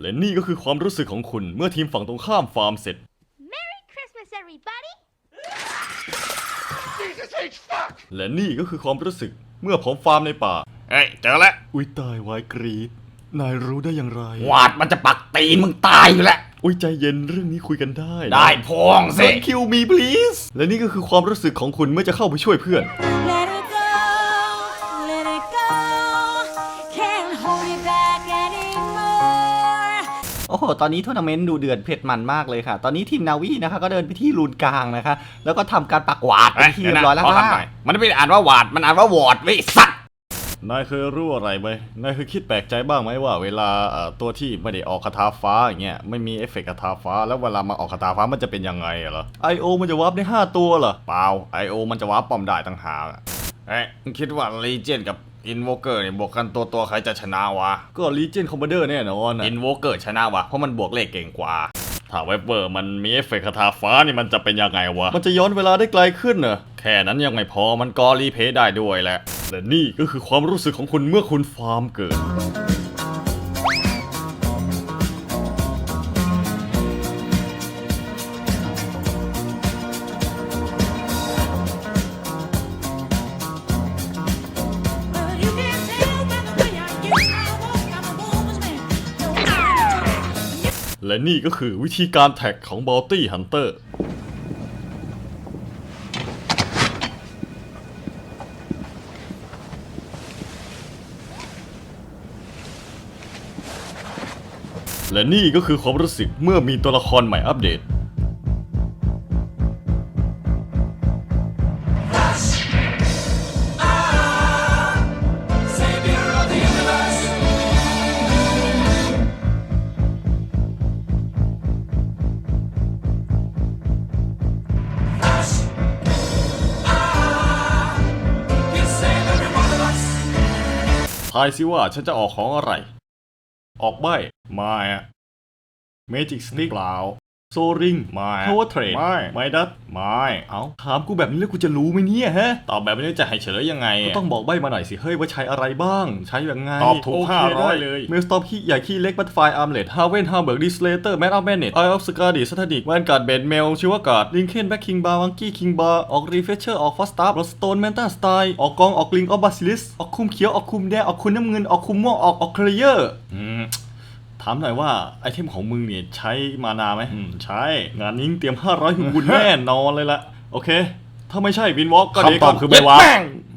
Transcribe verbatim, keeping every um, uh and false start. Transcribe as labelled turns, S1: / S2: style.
S1: และนี่ก็คือความรู้สึกของคุณเมื่อทีมฝั่งตรงข้ามฟาร์มเสร็จ
S2: Merry Christmas, everybody!
S1: และนี่ก็คือความรู้สึกเมื่อผมฟาร์มในป่า
S3: เฮ้ยเจอแล้ว
S1: อุ้ยตายวายกรีดนายรู้ได้อย่างไร
S3: วาดมันจะปักตีนมึงตายอยู่แล้ว
S1: อุ้ยใจเย็นเรื่องนี้คุยกันได้นะ
S3: ได้พองสิ
S1: คิวมี please และนี่ก็คือความรู้สึกของคุณเมื่อจะเข้าไปช่วยเพื่อน
S4: Let it go, let it go. Can't hold it back anymore.
S5: โอ้โห ตอนนี้ทัวร์นาเมนต์ดูเดือดเผ็ดมันมากเลยค่ะ ตอนนี้ทีมนาวีนะคะก็เดินไปที่รูนกลางนะคะ แล้วก็ทำการปักหวาดเป็นที่เรียบร้อยแล้ว
S3: ขอ
S5: ค่ะ
S3: ทำหน่อยมันไม่ได้อ่านว่าวาดมันอ่านว่าวอดเว้ยสัตว์
S1: นายเคยรู้อะไรไหมนายเคยคิดแปลกใจบ้างไหมว่าเวลาเอ่อตัวที่ไม่ได้ออกคาถาฟ้าอย่างเงี้ยไม่มีเอฟเฟกต์คาถาฟ้าแล้วเวลามาออกคาถาฟ้ามันจะเป็นยังไงอะเหรอ ไอ โอ มันจะวาร์ปได้ห้าตัวเหรอ เปล่า ไอ โอ มันจะวาร์ปป้อมได้ต่างหากอะ
S3: เฮ้ยมึงคิดว่าลีเจนกับอินโวเกอร์เนี่ยบวกกันตัวตัวใครจะชนะวะ
S1: ก็ Legion Commander แน่นอนอะ
S3: อินโวเกอร์ชนะวะเพราะมันบวกเลขเก่งกว่า
S1: ถ้าเวเบอร์มันมีเอฟเฟกต์คาถาฟ้านี่มันจะเป็นยังไงวะ มันจะย้อนเวลาได้ไกลขึ้นเหรอแค่นั้นยังไม่พอมันก็รีเพย์ได้ด้วยแหละและนี่ก็คือความรู้สึกของคุณเมื่อคุณฟาร์มเกิด
S4: Well, you can tell by the way I get I walk, I'm a woman's man. No matter.
S1: และนี่ก็คือวิธีการแท็กของ Bounty Hunter และนี่ก็คือความรู้สึกเมื่อมีตัวละครใหม่อัปเดต ทายสิว่าฉันจะออกของอะไร ออกใบไม่อะ Magic Stick เปล่า โซริงไม่ Power Trade ไม่ไมดัสไม่เอาถามกูแบบนี้แล้วกูจะรู้ไหมเนี่ยฮะ ตอบแบบนี้จะให้เฉลยยังไงก็ต้องบอกใบมาหน่อยสิเฮ้ยว่าใช้อะไรบ้าง ใช้ยังไง
S3: ตอบถูก
S1: โเค
S3: ห้าร้อย
S1: ได้
S3: เลย
S1: เมลสตอปขี้ใหญ่ขี้เล็กบัตไฟอาร์มเลดฮาเวนฮาเบิร์กดิสเลเตอร์แมนอัพแมนเนตไอออฟสกาดิสถาดิกแวนการ์ดเบนเมลชิวการ์ดลิงเคนแบ็คคิงบาร์วังกี้คิงบาร์ออกรีเฟชเชอร์ออกฟอสตาร์รสโตนแมนตาสไตล์ออกกองออกลิงออฟบาซิลิสออกคุมเขียวออกคุมแดงออกคุมน้ำเงินออกคุมม่วงออกออกเคลียร์อืมถามหน่อยว่าไอเทมของมึงเนี่ยใช้มานาไหมอืมใช้งานนี้เตรียมห้าร้อยหุ่นบุญแน่นอนเลยละโอเคถ้าไม่ใช่วินวอล์กก็เดี๋ยว
S3: คำตอบคือไม่วาร์ป